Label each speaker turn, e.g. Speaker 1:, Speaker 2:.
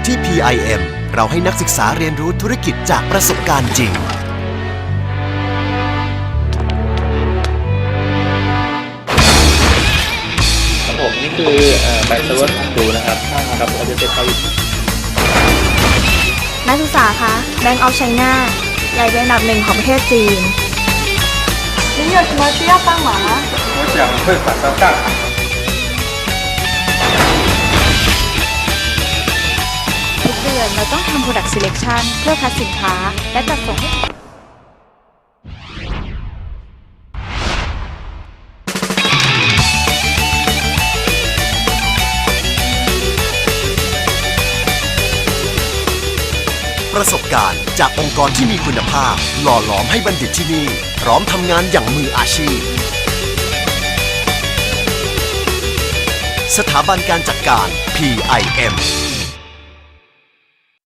Speaker 1: ที่ PIM เราให้นักศึกษาเรียนรู้ธุรกิจจากประสบการณ์จริง
Speaker 2: ครับผมนี่คือใบเซอร์เวอร์ของดูนะครับเราจะเป็น
Speaker 3: นักศึกษาคะ Bank of China ใหญ่เป็นอันดับ1ของประเทศจีน你有什么需要帮忙吗？
Speaker 2: 我想汇款到上海。
Speaker 3: ทุกเดือนเราต้องทำ Product Selection เพื่อคัดสินค้าและจัดส่งให้
Speaker 1: ประสบการณ์จากองค์กรที่มีคุณภาพหล่อหลอมให้บัณฑิตที่นี่พร้อมทำงานอย่างมืออาชีพสถาบันการจัดการ PIM